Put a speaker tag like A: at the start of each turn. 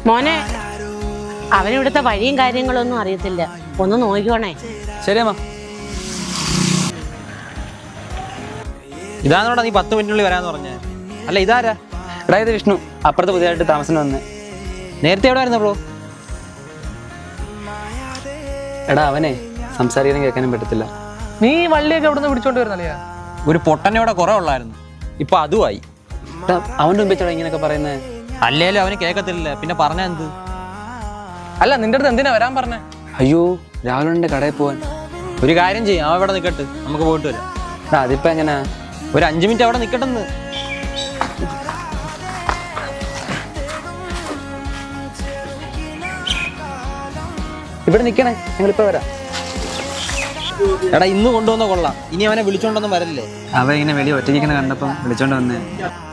A: മോനെ അവനിവിടുത്തെ വഴിയും കാര്യങ്ങളൊന്നും അറിയത്തില്ല, ഒന്ന് നോക്കിക്കോണേ.
B: ശരി അമ്മ. ഇതാണോടാ നീ 10 മിനിറ്റിനുള്ളിൽ വരാന്ന് പറഞ്ഞേ? അല്ല ഇതാരാ?
C: എടാ ഇത് വിഷ്ണു, അപ്പുറത്ത് പുതിയതായിട്ട് താമസം വന്ന്.
B: നേരത്തെ എവിടെ ആയിരുന്നു ബ്രോ?
C: എടാ അവനെ സംസാരിക്കാനും കേൾക്കാനും പറ്റത്തില്ല.
D: നീ വള്ളിയൊക്കെ എവിടെ നിന്ന് പിടിച്ചോണ്ട് വരുന്നല്ലേ?
B: ഒരു പൊട്ടനോടെ കുറെ ഉള്ളായിരുന്നു, ഇപ്പൊ അതുമായി.
C: എടാ അവൻ്റെ മുമ്പേ ചേട്ടാ ഇങ്ങനെയൊക്കെ പറയുന്നത്.
B: അല്ലേലും അവന് കേൾക്കത്തില്ല, പിന്നെ പറഞ്ഞ എന്ത്?
D: അല്ല നിന്റെ അടുത്ത് എന്തിനാ വരാൻ പറഞ്ഞേ?
C: അയ്യോ രാഹുലിൻ്റെ കടയിൽ പോവാൻ.
B: ഒരു കാര്യം ചെയ്യും, അവൻ ഇവിടെ നിൽക്കട്ട്, നമുക്ക് പോയിട്ട് വരാം.
C: എടാ അതിപ്പോ എങ്ങനെയാ?
B: ഒരു 5 മിനിറ്റ് അവിടെ നിൽക്കട്ടെന്ന്.
C: ഇവിടെ നിൽക്കണേ, ഞങ്ങളിപ്പോ വരാം.
B: എടാ ഇന്ന് കൊണ്ടുവന്ന കൊള്ളാം, ഇനി അവനെ വിളിച്ചോണ്ടൊന്നും വരല്ലേ?
C: അവ ഇങ്ങനെ വെളി ഒറ്റയ്ക്കുന്ന കണ്ടപ്പം വിളിച്ചോണ്ട് വന്നേ.